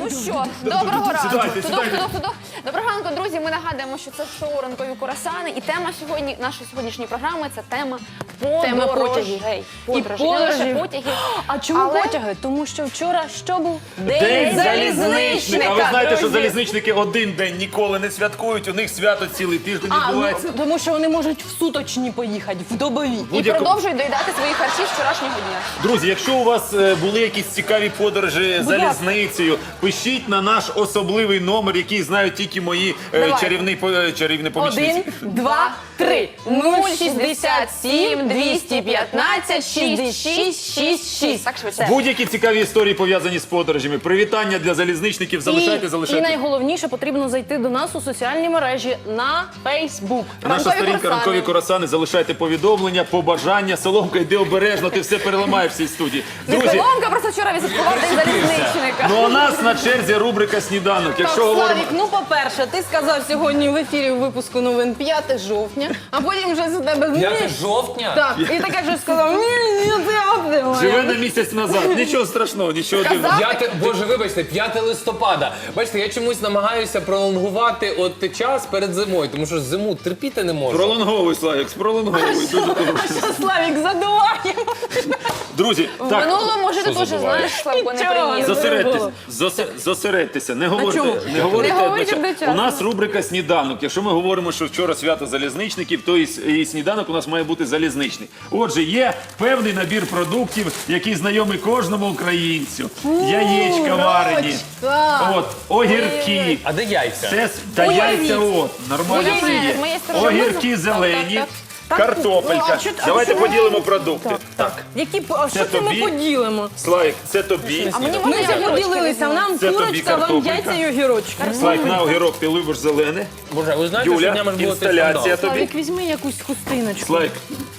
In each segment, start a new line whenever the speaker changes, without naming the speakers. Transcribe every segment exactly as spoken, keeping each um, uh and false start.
Ну що, доброго ранку.
Сідайте,
Тудок,
сідайте.
тудок, тудок. Доброго ранку, друзі. Ми нагадуємо, що це шоу «Ранкові курасани». І тема сьогодні, нашої сьогоднішньої програми – це тема
Тема
подорожей.
потягів.
Подорожей.
І
Не лише
подорожів.
потягів.
А чому
Але-
потяги? Тому що вчора що був?
День залізничника. А ви знаєте, що
друзі.
залізничники один день ніколи не святкують, у них свято цілий тиждень
А, ну,
відбувається.
тому що вони можуть в суточні поїхати, в добові.
І
Будь-яку-
продовжують доїдати свої харчі з вчорашнього дня.
Друзі, якщо у вас е, були якісь цікаві подорожі залізницею, пишіть на наш особливий номер, який знають тільки мої е,
Давай.
чарівні, по- е, чарівні помічниці.
Один, два, три.
нуль шістдесят сім двісті п'ятнадцять шістдесят шість шістдесят шість. Так швидше.
Будь-які цікаві історії пов'язані з подорожами. Привітання для залізничників. Залишайте,
І,
залишайте.
і найголовніше, потрібно зайти до нас у соціальні мережі на Facebook.
Наша
Ранкові
сторінка
курасани.
«Ранкові курасани». Залишайте повідомлення, побажання. Соломка, йди обережно, ти все переламаєш в цій студії.
Не
Друзі,
Соломка просто вчора відсвяткував день залізничника.
ну у нас на черзі рубрика «Сніданок». Якщо
Так,
говоримо...
Славік, ну по-перше, ти сказав сьогодні в ефірі у випуску новин п'яте жовтня, а потім вже з тебе
п'яте жовтня?
Так, і таке вже сказав, ні, ні, ти
Живе на місяць назад. Нічого страшного, нічого дивного.
П'яте, боже, вибачте, п'яте листопада. Бачите, я чомусь намагаюся пролонгувати от час перед зимою, тому що зиму терпіти не можу.
Пролонговуй, Славік, пролонговуй. Дуже добре.
Що, Славік, задуваємо?
Друзі,
В
так,
минулому, може, ти
Що
теж
забуває?
знаєш, Славко, не
Нічого.
приїзд.
зосередьтесь, зосе- зосередьтеся, не говорите,
чому?
не говорите
Не говоріть
одночасно.
одночасно.
У нас рубрика «Сніданок». Якщо ми говоримо, що вчора свято залізничників, то і, с- і сніданок у нас має бути залізничний. Отже, є певний набір продуктів, який знайомий кожному українцю. Яєчка варені, от, огірки.
А де яйця?
Це с- та яйця, от, нормально
Ой,
все є.
з моєї сторони
Огірки
можна?
зелені,
Так,
так.
картопелька.
Ну, а що- а
Давайте
що-
поділимо продукти. Так,
Які, по- а
Це
що це ми
тобі?
поділимо?
Слайк, це тобі.
А мені
Ми
можна
вже
я
поділилися, нам
Це тобі
курочка, вам
картопелька.
яйця і огірочки.
Слайк, на огірок, ти любиш зелене.
Боже, а ви знаєте, що
Юля,
днями ж було цей
інсталяція
скандал?
тобі.
Славік, візьми якусь хустиночку.
Слайк,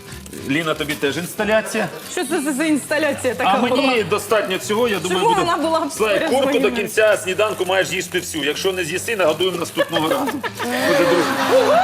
Ліна, тобі теж інсталяція.
Що це за- за інсталяція така
А
була?
мені достатньо цього, я думаю,
Чого
буде...
вона була б
Слайк,
поряд з
курку до
моїми?
кінця сніданку маєш їсти всю. Якщо не з'їси, нагодуємо наступного разу. Дуже дружно.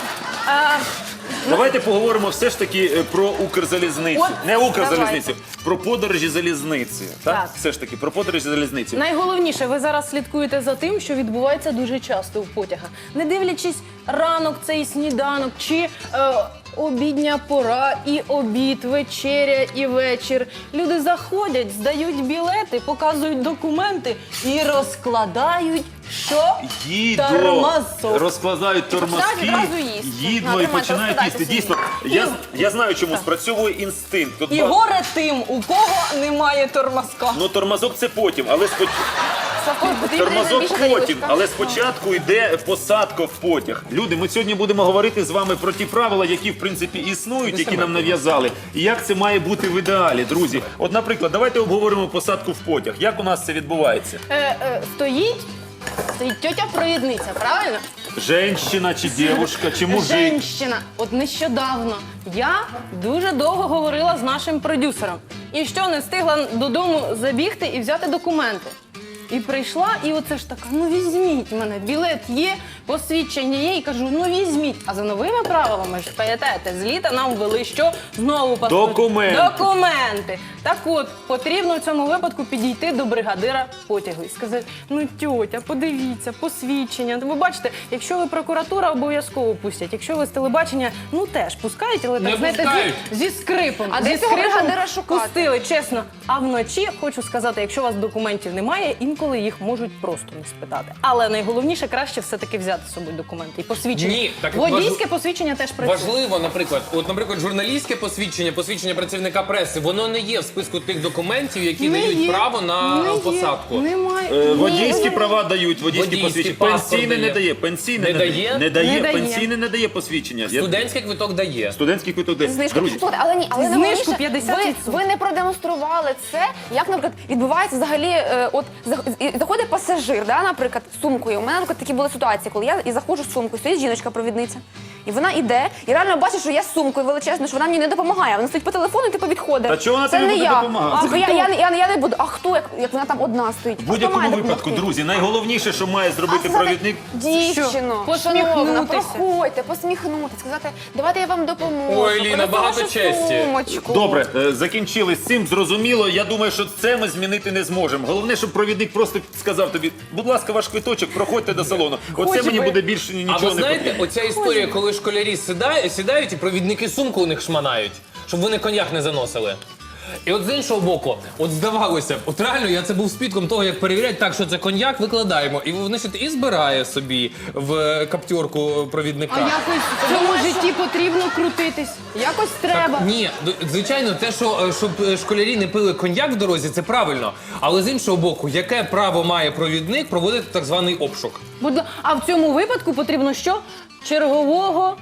Давайте поговоримо все ж таки е, про Укрзалізницю.
От,
Не Укрзалізницю, про подорожі залізницею. Так?
Так.
Все ж таки, про подорожі залізницею.
Найголовніше, ви зараз слідкуєте за тим, що відбувається дуже часто в потягах. Не дивлячись ранок, цей сніданок, чи е, обідня пора, і обід, вечеря, і вечір. Люди заходять, здають білети, показують документи і розкладають, що?
Їдло,
Тормозок.
розкладають тормозки,
Починають відразу їсти. На,
їдло і
тримайте,
починають
розкладайте
їсти. Дійсно, я, я знаю, чому спрацьовує інстинкт. Тут
І
ба-
горе тим, у кого немає тормозка.
Ну, тормозок це потім, але споч...
Славко, потрібна
тормозок
більша
потім,
тарілочка.
але спочатку йде посадка в потяг. Люди, ми сьогодні будемо говорити з вами про ті правила, які в принципі існують, які нам нав'язали, і як це має бути в ідеалі, друзі. От, наприклад, давайте обговоримо посадку в потяг. Як у нас це відбувається?
Е, е, стоїть, стоїть тьотя-провідниця, правильно?
Женщина чи дівчинка, чи мужик?
Женщина. От нещодавно я дуже довго говорила з нашим продюсером. І що, не встигла додому забігти і взяти документи. І прийшла, і оце ж така, ну візьміть мене, білет є, посвідчення є, і кажу, ну візьміть. А за новими правилами, ж пам'ятаєте, з літа нам ввели що? Знову паспорт.
Документи.
Документи. Так от, потрібно в цьому випадку підійти до бригадира потягу і сказати, ну тьотя, подивіться, посвідчення. Ви бачите, якщо ви прокуратура, обов'язково пустять. Якщо ви з телебачення, ну теж пускають, але
Не
так, знаєте,
пускають.
зі, зі скрипом.
А
зі
де цього
скрипом
бригадира шукати?
пустили, чесно. А вночі, хочу сказати, якщо у вас документів немає, інколи їх можуть просто не спитати. Але найголовніше, краще все-таки взяти з собою документи і посвідчення.
Ні, так
Водійське
важ-
посвідчення теж працює.
Важливо, наприклад, от, наприклад, журналістське посвідчення, посвідчення працівника преси, воно не є в списку тих документів, які
Не
дають
є.
право на
Не є.
посадку.
Немає.
Е,
Ні,
Водійські
ні.
права дають, водійські
Водійський
посвідчення.
паспорт
Пенсійне не
дає.
дає, пенсійне
Не
не
дає?
Не дає,
Не дає.
пенсійне не дає посвідчення. Я-
Студентський квиток дає.
Студентський квиток дає.
Знижку.
Друзі,
Слухайте, але ні, але
Знижку
найголовніше,
п'ятдесят
ви,
відсотків.
ви не продемонстрували це, як, наприклад, відбувається взагалі, е, от зах- і заходить пасажир, да, наприклад, з сумкою. У мене, наприклад, такі були ситуації, коли я і заходжу з сумкою, стоїть жіночка-провідниця. І вона іде, і реально бачить, що я з сумкою величезною, що вона мені не допомагає. Вона стоїть по телефону і типу відходить.
Та чого вона
Це
тобі
не
буде
я.
допомагати?
А, я, я, я, я, я не буду. А хто, як, як вона там одна стоїть?
В
А хто
будь-якому
має
випадку,
допомогти?
друзі, найголовніше, що має зробити
А сказати,
провідник.
дівчино,
Що?
шановна,
Посміхнутися.
проходьте, посміхнутися, сказати, давайте я вам допоможу.
Ой, Ліна,
принесу
багато
вашу
честі.
сумочку.
Добре, е, закінчили з цим, зрозуміло. Я думаю, що це ми змінити не зможемо. Головне, щоб провідник просто сказав тобі, будь ласка, ваш квиточок, проходьте до салону. Оце
Хоч
мені
би.
буде більше
А
нічого
ви
не
знаєте,
потрібно.
оця історія, коли школярі сідають, сідають і провідники сумку у них шманають, щоб вони коньяк не заносили. І от з іншого боку, от здавалося б, от реально я це був свідком того, як перевіряють, так, що це коньяк, викладаємо. І значить, і збирає собі в каптюрку провідника.
А якось в цьому житті потрібно крутитись. Якось треба.
Ні, д- звичайно, те, що е, щоб е, школярі не пили коньяк в дорозі, це правильно. Але з іншого боку, яке право має провідник проводити так званий обшук?
Будь ла- А в цьому випадку потрібно що? Чергового.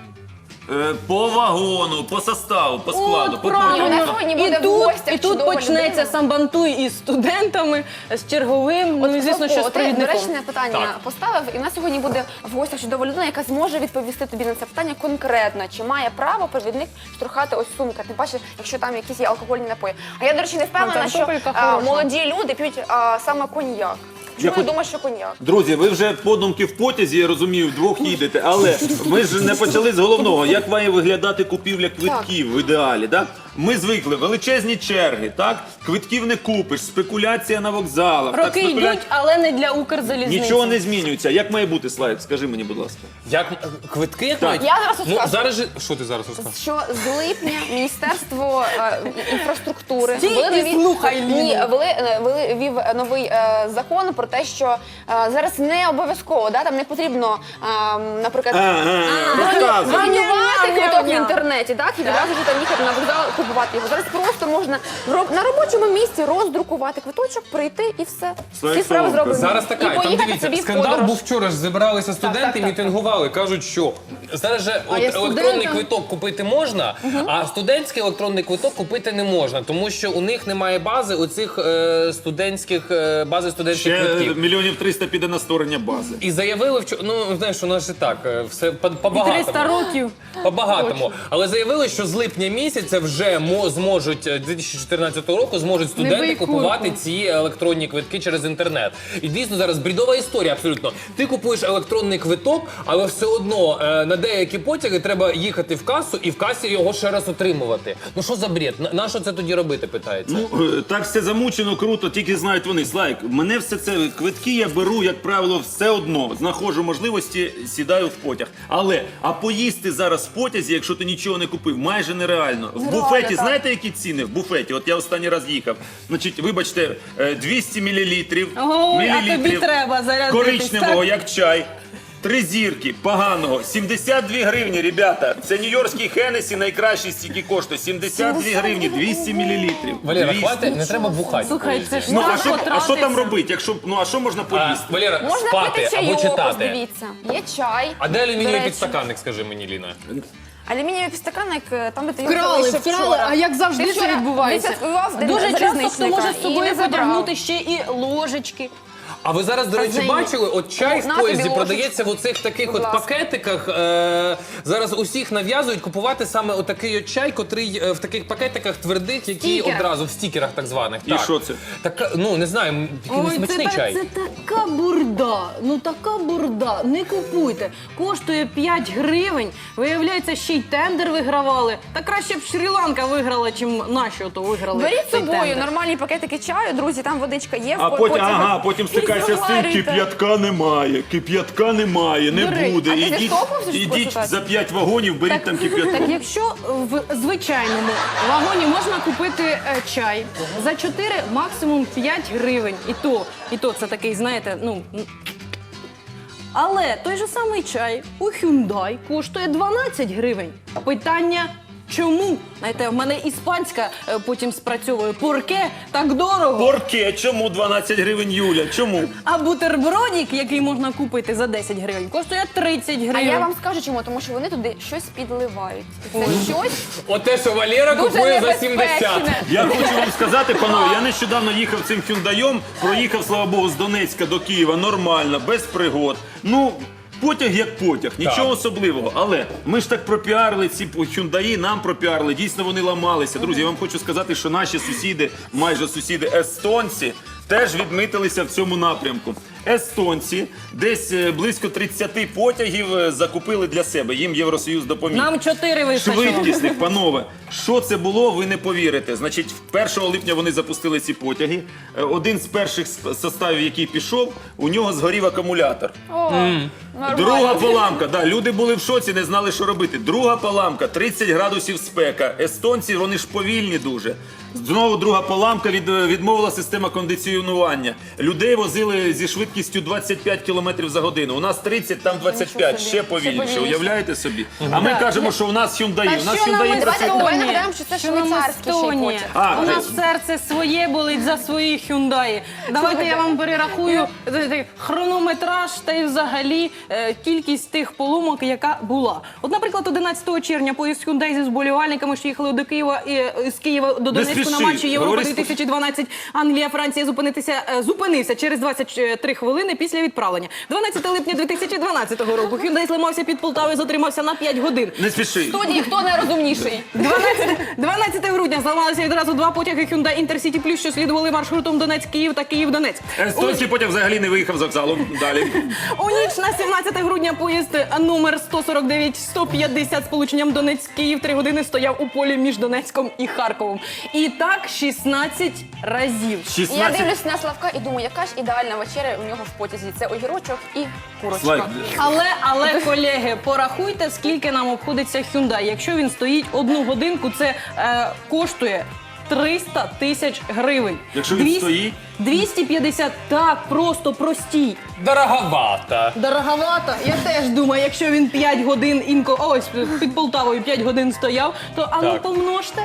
Е, По вагону, по составу, по складу,
От
по
правильно.
Вона сьогодні
І
буде в
тут,
гостях
і тут
чудова
почнеться
людина.
самбантуй із студентами, з черговим, ну і звісно, що з
Славко, ти
провідником.
доречне питання
Так.
поставив, і в нас сьогодні буде в гостях чудова людина, яка зможе відповісти тобі на це питання конкретно. Чи має право провідник штурхати ось сумка? Тим паче, якщо там якісь є алкогольні напої. А я, до речі, не впевнена,
там
що
топелька
а,
хороша.
молоді люди п'ють а, саме коньяк. Чому
Я
я
хоч-
думаю, що коньяк?
Друзі, ви вже подумки в потязі, я розумію, вдвох їдете, але ми ж не почали з головного. Як має виглядати купівля квитків в ідеалі? Так? Ми звикли, величезні черги, так? Квитків не купиш, спекуляція на вокзалах. так,
Роки
спекуля-
йдуть, але не для Укрзалізниці.
Нічого не змінюється. Як має бути, Слайк? Скажи мені, будь ласка.
Як е, квитки як
Так.
мають?
Я зараз
Ну,
розкажу.
зараз же... Що ти зараз розкажеш?
Що з липня Міністерство е, інфраструктури
Стій і слухай, Ліну.
ні, вели, е, вели, вів новий е, закон про те, що е, зараз не обов'язково, да, там не потрібно, е, наприклад,
Розказуй.
бронювати квиток в
Ням-ням-ням.
інтернеті, так, і відразу ж там їхати на вокзал, купувати його. Зараз просто можна в роб- на робочому місці роздрукувати квиточок, прийти і все.
Слайк
Всі справи
Соломко.
зроблені.
Зараз
І
така, там
поїхати
дивіться,
собі в
скандал
подорож.
був вчора, ж зібралися студенти
так,
і
так,
мітингували. Кажуть, що зараз же от
є
електронний
студентам?
квиток купити можна, а студентський електронний квиток купити не можна, тому що у них немає бази оцих е, студентських е, бази студентських
Ще
квитків.
мільйонів триста піде на створення бази.
І заявили вчора, ну знаєш, у нас же так, е, все по-
І
по-багатому.
триста років.
По-багатому. Але заявили, що з липня місяця вже мо- зможуть е, дві тисячі чотирнадцятого року зможуть студенти
бий
купувати
курку.
ці електронні квитки через інтернет. І дійсно зараз брідова історія абсолютно. Ти купуєш електронний квиток, але все одно е, на деякі потяги треба їхати в касу і в касі його ще раз отримувати. Ну що за бред? На, на що це тоді робити, питається?
Ну, е, так все замучено, круто, тільки знають вони. Слайк, мене все це, квитки я беру, як правило, все одно. Знаходжу можливості, сідаю в потяг. Але, а поїсти зараз в потязі, якщо ти нічого не купив, майже нереально. В
Нереально,
буфеті,
так.
знаєте, які ціни? В буфеті, от я останній раз їхав. Значить, вибачте, е, двісті мілілітрів,
Ой, а тобі
мілілітрів
треба зарядитись,
коричневого,
так?
як чай. Три зірки, поганого, сімдесят дві гривні, ребята. Це нью-йоркський Хеннесі, найкращий стільки коштує. сімдесят дві гривні, двісті мілілітрів.
Валера,
двісті.
хватить, не треба бухати.
Слухай, це ж
Ну, а
так
що, а що там
потратиться.
робити? Якщо, ну, а що можна
А,
поїсти?
Валера,
Можна
спати
пити
або
чайок, ось
читати.
дивіться. Є чай.
А де
до
алюмінієвий
речі.
підстаканник, скажи мені, Ліна?
Алюмінієвий підстаканник, е, там де ти його
Вкрали,
залишив
вкрали,
вчора.
а як завжди
Ти
це
вчора
відбувається.
відсвяткував День
Дуже часто хто
залізничника
може з
і
собою
не забрав.
потягнути ще і ложечки.
А ви зараз, до речі,
Казині.
бачили, от чай
На
в
тобі
поїзді
ложечку.
продається в оцих таких
Будь
от
ласка.
пакетиках. Е, зараз усіх нав'язують купувати саме отакий от чай, котрий е, в таких пакетиках твердих, які
Стікерах.
одразу в стікерах так званих.
І
так.
що це?
Так, ну не знаю, м, який
Ой, це,
смачний
та-
чай.
це така бурда, ну така бурда, не купуйте. Коштує п'ять гривень, виявляється, ще й тендер вигравали. Та краще б Шрі-Ланка виграла, чим наші ото виграли.
Беріть з
цей
собою
тендер.
нормальні пакетики чаю, друзі, там водичка є.
А
в
потім,
потязі.
ага, потім
І
стикайся з тим,
заварюйте.
кип'ятка немає, кип'ятка немає, не
До речі,
буде.
а ти
Ідіть,
зіштовхнувся з
ідіть
такою
за
ситуацією?
п'ять вагонів, беріть там кип'яток.
Так якщо в звичайному вагоні можна купити е, чай за чотири, максимум п'ять гривень. І то, і то це такий, знаєте, ну. м. Але той же самий чай у Hyundai коштує дванадцять гривень. Питання чому? Знаєте, в мене іспанська е, потім спрацьовує. Порке так дорого.
Порке, чому дванадцять гривень, Юля? Чому?
А бутербродик, який можна купити за десять гривень, коштує тридцять гривень.
А я вам скажу чому, тому що вони туди щось підливають. І це щось
От те, що Валера
дуже
купує за сімдесят.
небезпечне.
Я хочу вам сказати, панове, я нещодавно їхав цим хюндаєм, проїхав, слава Богу, з Донецька до Києва нормально, без пригод. Ну, Потяг як потяг, нічого особливого. Але ми ж так пропіарили ці Hyundai, нам пропіарили, дійсно вони ламалися. Друзі, я вам хочу сказати, що наші сусіди, майже сусіди естонці, теж відмітилися в цьому напрямку. Естонці десь е, близько тридцять потягів е, закупили для себе. Їм Євросоюз допоміг.
Нам чотири вистачило.
Швидкісних, панове. Що це було, ви не повірите. Значить, першого липня вони запустили ці потяги. Е, Один з перших с- составів, який пішов, у нього згорів акумулятор.
О, нормально.
Друга поламка, да, люди були в шоці, не знали, що робити. Друга поламка, тридцять градусів спека. Естонці, вони ж повільні дуже. Знову друга поламка, від, відмовила система кондиціонування. Людей возили зі швидкістю двадцять п'ять кілометрів за годину. У нас тридцять, там двадцять п'ять,
Нічого собі.
ще повільніше.
Ще повільніше.
Уявляєте собі? А ми кажемо, що у нас Hyundai. У нас
що нам
Hyundai
Естонія?
працює.
Давай нагадаємо, що це
Що нам
швейцарський ще й
Естонія?
потяг.
А,
У
це-
нас серце своє болить за свої Hyundai. Давайте я вам перерахую е, е, хронометраж та й взагалі е, кількість тих поломок, яка була. От, наприклад, одинадцятого червня поїзд Hyundai зі зболівальниками, що їхали до Києва і е, з Києва до Донецьку на
спіши,
матчі Європи
говори
дві тисячі дванадцять Англія, Франція зупинитися е, зупинився через двадцять три хвилини після відправлення. дванадцятого липня дві тисячі дванадцятого року Hyundai зламався під Полтавою, затримався на п'ять годин.
Не спіши.
В студії хто найрозумніший?
дванадцятого грудня зламалися відразу два потяги Hyundai Intercity Plus, що слідували маршрутом Донець-Київ та Київ-Донець.
Естонський потяг взагалі не виїхав з вокзалу. Далі.
У ніч на сімнадцяте грудня поїзд номер сто сорок дев'ять сто п'ятдесят з полученням Донець-Київ три години стояв у полі між Донецьком і Харковом. І так шістнадцять разів.
Я
шістнадцять.
дивлюсь на Славка і думаю, яка ж ідеальна вечеря у нього в потязі. Це огірочок і курочка.
Слайд.
Але, але, колеги, порахуйте, скільки нам обходиться Hyundai. Якщо він стоїть одну годинку, це е, коштує триста тисяч гривень.
Якщо він
Двісті-
стоїть?
двісті п'ятдесят, так, просто простій.
Дороговато.
Дороговато. Я теж думаю, якщо він п'ять годин інко, ось під Полтавою п'ять годин стояв, то а ну
Так.
помножте.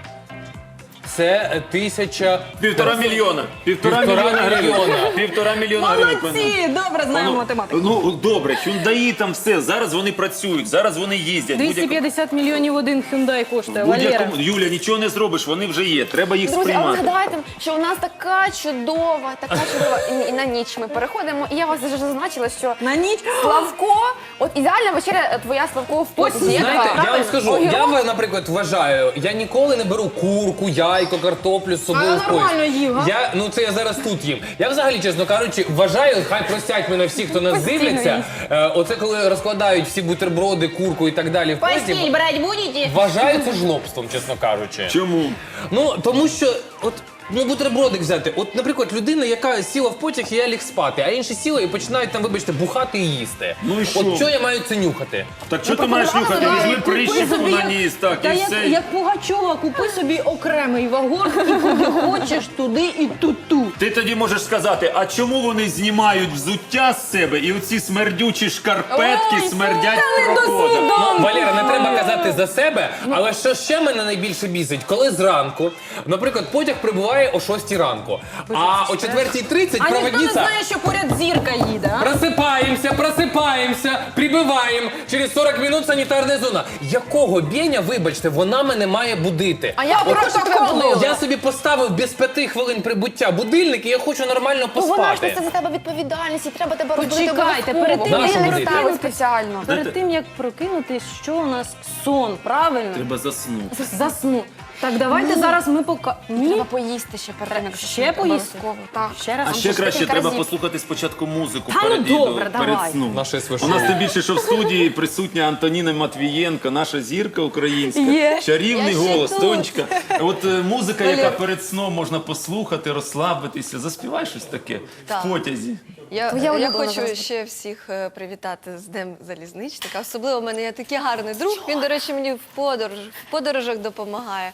Це тисяча...
Півтора мільйона. Півтора,
Півтора
мільйона гривень.
мільйона.
Півтора мільйона гривень.
Молодці! Добре знаємо
Ну,
математику.
Ну, добре, Hyundai там все. Зараз вони працюють, зараз вони їздять.
двісті п'ятдесят мільйонів один Hyundai коштує, Валера.
Будь-якому Юля, нічого не зробиш, вони вже є. Треба їх
Друзі, але
сприймати.
згадайте, що у нас така чудова, така чудова і, і на ніч ми переходимо. І я вас вже зазначила, що
На ніч.
Славко, от ідеальна вечеря твоя Славко в потязі. Яка?
Знаєте, я вам
Правильно?
скажу,
Огірок.
я, ви, наприклад, вважаю, я ніколи не беру курку, яйко, картоплю з собою
А
в поїзд.
нормально їв, а?
Я, ну це я зараз тут їм. Я взагалі, чесно кажучи, вважаю, хай простять мене всі, хто нас
Постійно
дивляться.
їсть.
Е, оце коли розкладають всі бутерброди, курку і так далі в поїзді.
Постіль брать будете?
Вважаю це жлобством, чесно кажучи.
Чому?
Ну, тому що, от, ну, бутербродик взяти. От, наприклад, людина, яка сіла в потяг, і я ліг спати, а інші сіли і починають там, вибачте, бухати і їсти.
Ну і що?
От що я маю це нюхати?
Так що ти маєш нюхати? Візьми прищепку на ніс, так,
Та
і
як,
все.
як Пугачова, купи собі окремий вагон і куди хочеш, туди і ту-ту.
Ти тоді можеш сказати, а чому вони знімають взуття з себе і оці смердючі шкарпетки
Ой,
смердять
та не
проходом?
Ну, Валера, не треба казати за себе, але що ще мене найбільше бісить, коли зранку, наприклад, потяг прибуває о шостій ранку, а о четвертій тридцять
А ніхто не
проводниця...
знає, що поряд зірка їде, а?
Просипаємося, просипаємося, прибиваємо. Через сорок минут санітарна зона. Якого бєня, вибачте, вона мене має будити?
А я
От
протоколу.
Я собі поставив без п'яти хвилин прибуття будильник, і я хочу нормально
Ну, вона ж
поспати.
це за тебе відповідальність, і треба тебе розбудити
Почекайте,
обов'язково.
перед тим,
як
Будильник
будити?
ставить спеціально.
Перед тим, як прокинутись, що у нас сон, правильно?
Треба заснути.
Засну. Так, давайте зараз ми пока... Ні?
Треба поїсти ще перед тим, як
Ще
заснути,
поїсти?
обов'язково. Так.
Ще раз.
А
Там
ще
ще
краще
кілька
треба
разів.
послухати спочатку музику
Та ну
перед відео,
добре,
перед
давай.
сном.
Наше
У
свише.
нас тим більше, що в студії присутня Антоніна Матвієнко, наша зірка українська,
Є.
чарівний
Я ще
голос,
тут.
Тонечка. От е, музика, яка перед сном можна послухати, розслабитися. Заспівай щось таке
Так.
в потязі.
Я,
Твоя
я
улюблена
хочу
зараз.
ще всіх е, привітати з Днем залізничника. Особливо в мене є такий гарний друг. Він, до речі, мені в подорож, в подорожах допомагає.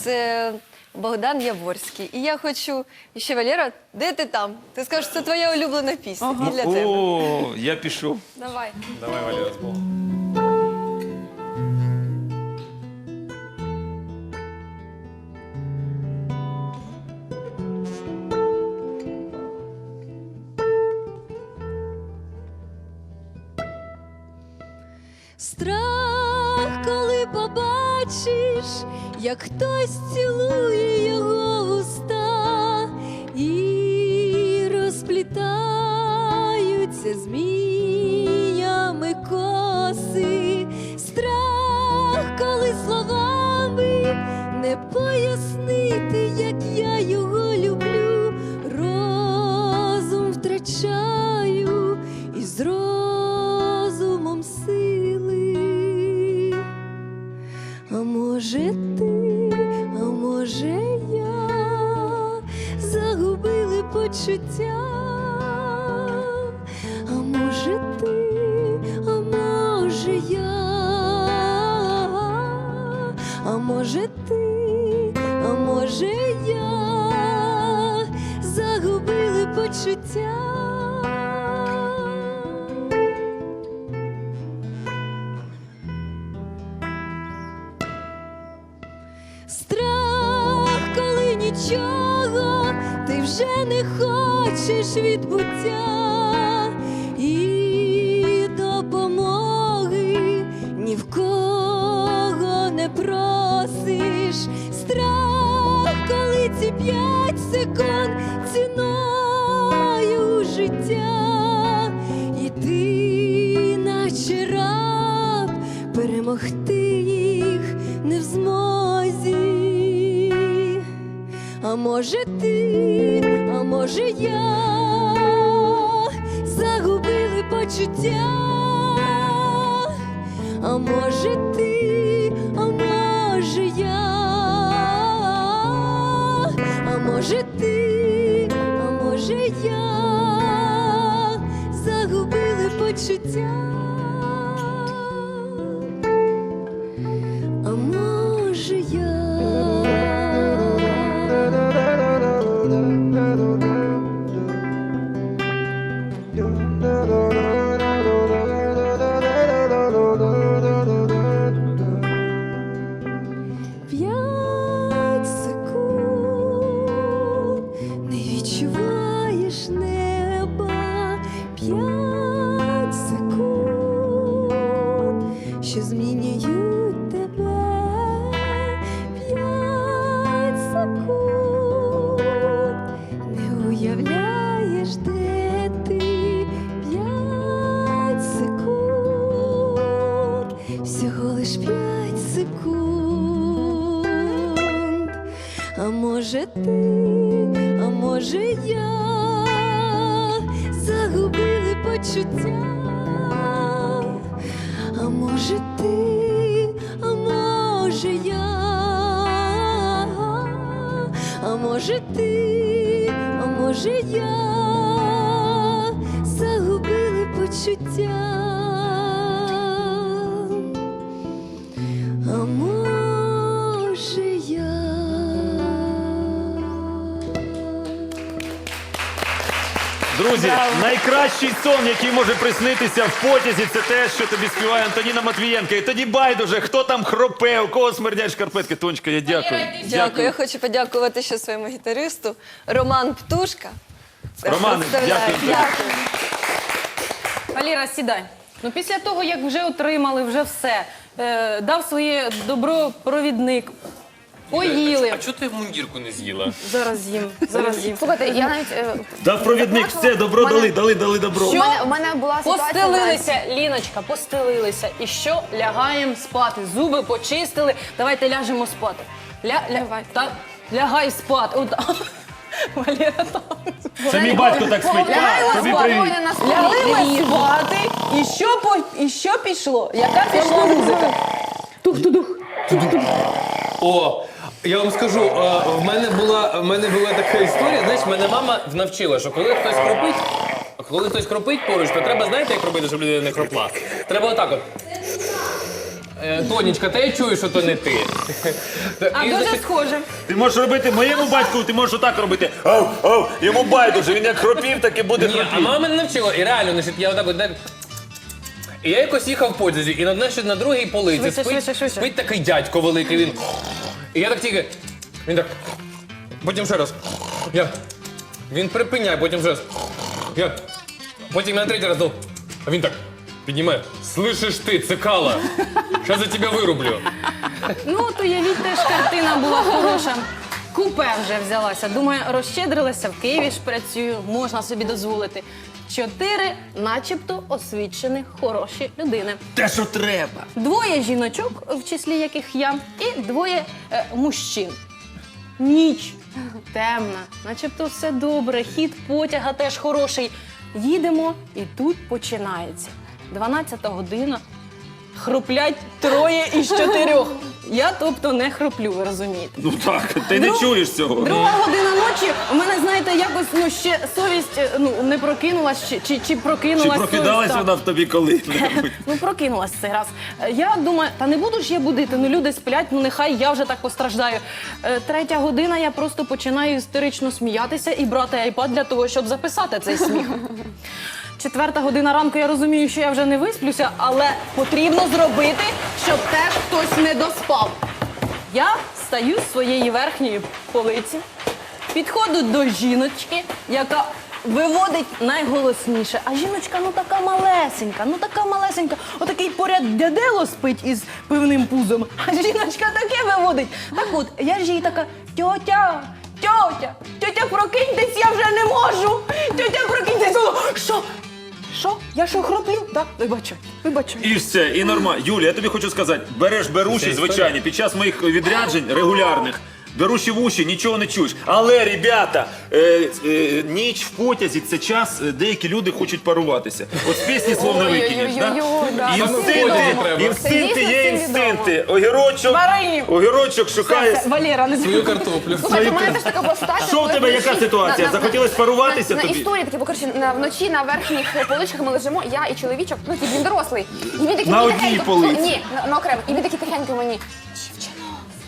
Це Богдан Яворський. І я хочу. І ще Валера, де ти там? Ти скажеш, це твоя улюблена пісня. І для тебе.
О, я пішов.
Давай.
Давай, Валера, з Богом.
Страх, коли побачиш, як хтось цілує його уста і розплітаються зміями коси, страх, коли словами не пояснити, як я його люблю, розум втрачаю і з розумом сили. А може ти, а може я загубили почуття, а може ти, а може я, а може ти, а може я загубили почуття. Страх, коли нічого ти вже не хочеш відбуття і допомоги ні в кого не просиш. Страх, коли ці п'ять секунд ціною життя, і ти, наче раб, перемогти їх не в змозі. А може ти, а може я загубили почуття, а може ти, а може я, а може ти, а може я загубили почуття. А може я. П'ять секунд не відчуваєш неба, п'ять секунд, що змінюють тебе, п'ять секунд, не уявляєш, де ти, п'ять секунд, всього лиш п'ять секунд. А може ти, а може я загубили почуття, а може ти, а може я, а може ти, а може я загубили почуття. А може я.
Друзі, найкращий сон, який може приснитися в потязі, це те, що тобі співає Антоніна Матвієнка. І тоді байдуже, хто там хропе, у кого смердять шкарпетки. Тонечка, я дякую.
Дякую. Я хочу подякувати ще своєму гітаристу Роман Птушка.
Романе,
Представляю.
дякую тобі.
Аліра, сідай. Ну, після того, як вже отримали, вже все, е, дав своє добро провідник, поїли.
А чого ти мундірку не з'їла?
Зараз їм, зараз їм.
Слухайте, я навіть е,
Дав провідник, все, добро
Мене-
дали, дали, дали добро.
у мене, у мене була ситуація.
Постелилися, Ліночка, постелилися. І що? Лягаємо спати. Зуби почистили. Давайте ляжемо спати. Ля, ля, та, лягай спати. От, Валера, там.
Це мій батько так спить.
Лягай
Тобі
у
привіт.
спокійно на столі.
Лягли ми спати. І що, по, і що пішло? Яка пішла музика? Тух-тудух.
О, я вам скажу, е, в мене була в мене була така історія. Знаєш, мене мама навчила, що коли хтось хропить, коли хтось хропить поруч, то треба, знаєте, як робити, щоб людина не хропла? Треба отак от. Е, Тонечка, та я чую, що то не ти.
А
І,
дуже
значить,
схоже.
Ти можеш робити моєму батьку, ти можеш отак робити. Ау, ау, йому байдуже, він як хропів, так і буде
Ні, а
хропів.
мама мене навчила, і реально, значить, я отак от. так- І я якось їхав в потязі, і на, значить, на другій полиці
Швидше,
спить,
швидше, швидше.
спить такий дядько великий, він. І я так тільки. Він так. Потім ще раз. Я. Він припиняє, потім ще раз. Я. Потім я на третій раз дав. А він так. Піднімає. Слышиш ти, цикала. Щас я тебе вирублю.
Ну, от уявіть, теж картина була хороша. Купе вже взялася. Думаю, розщедрилася, в Києві ж працюю, можна собі дозволити. чотири начебто освічених хороші людини.
Те, що треба.
Двоє жіночок, в числі яких я, і двоє е, мужчин. Ніч темна, начебто все добре, хід потяга теж хороший. Їдемо, і тут починається. дванадцята година, хроплять троє із чотирьох. Я, тобто, не хроплю, ви розумієте.
Ну так, ти не
Друг-
чуєш цього.
Друга година ночі, у мене, знаєте, якось ну, ще совість е, ну, не прокинулась, чи, чи, чи прокинулась
Чи
совість,
прокидалась
так.
вона в тобі коли?
Ну, прокинулась цей раз. Е, Я думаю, та не буду ж я будити, ну люди сплять, ну нехай я вже так постраждаю. Е, Третя година, я просто починаю істерично сміятися і брати айпад для того, щоб записати цей сміх. Четверта година ранку, я розумію, що я вже не висплюся, але потрібно зробити, щоб теж хтось не доспав. Я стаю з своєї верхньої полиці, підходжу до жіночки, яка виводить найголосніше. А жіночка ну така малесенька, ну така малесенька. Отакий поряд дядело спить із пивним пузом, а жіночка таке виводить. Так от, я ж їй така, тьотя, тьотя, тьотя, прокиньтесь, я вже не можу. Тьотя, прокиньтесь. О, що? Що? Я що, хроплю? Так, вибачай, вибачай.
І все, і нормально. Юля, я тобі хочу сказати, береш беруші, звичайні, під час моїх відряджень регулярних, беруші в уші, нічого не чуєш. Але, ребята, е, е, ніч в потязі – це час, е, деякі люди хочуть паруватися. От з пісні слов не викинеш, так?
Ой-ой-ой, да.
Інстинкти,
Треба.
інстинкти
Це
є
дійсно
інстинкти. Огірочок,
Варенів.
огірочок шукає.
Все, Валера, не
Свою картоплю.
Слухайте, у мене теж така була ситуація.
Що в
коли
тебе, яка
вночі-
ситуація?
на- на-
Захотілось паруватися
на,
тобі?
На історії такі, бо коротше, на, вночі на верхніх поличках ми лежимо, я і чоловічок, ну типу, він дорослий. І він такий
На
мені
одній
тихенько-
полиці.
Ні, на, на окремо. І він такий тихенько мені. Дівчино,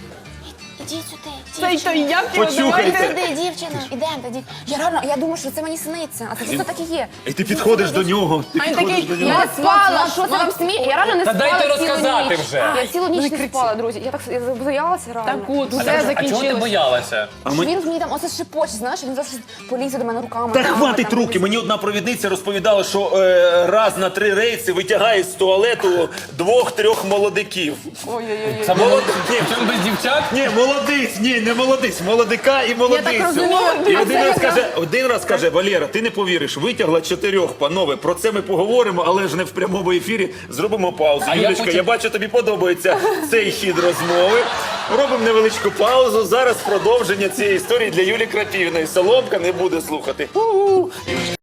ідіть сюди,
Цей то я
Почухайте.
Сюди, дівчина, ідемо тоді. Я реально, я думаю, що це мені сниться, а це дійсно так і є.
І ти підходиш до нього, ти
А він
підходиш
такий,
до нього.
Я спала, що це вам сміє? Я реально не
Та
спала
дайте
цілу
розказати
ніч.
вже.
Я цілу ніч
Не
не
кричи.
спала, друзі. Я так я боялася реально.
Так от,
Що
все
А чого ти
закінчилось.
боялася?
ми-
Він мені там оце шепоче, знаєш, він завжди полізе до мене руками.
Та
там,
хватить
там,
руки. Мені одна провідниця розповідала, що е, раз на три рейси витягає з туалету двох-трьох молодиків.
Ой-ой-ой.
Це
Молодець. Ні,
Чим без дівчат?
ні, молодиць, ні, не молодиць, молодика і молодицю.
розумію.
І один раз каже, один раз каже, Валера, ти не повіриш, витягла чотирьох, панове. Про це ми поговоримо, але ж не в прямому ефірі. Зробимо паузу.
А я
Юлечка, я,
потім-
бачу, тобі подобається цей хід розмови. Робимо невеличку паузу. Зараз продовження цієї історії для Юлі Крапівної. Соломка не буде слухати.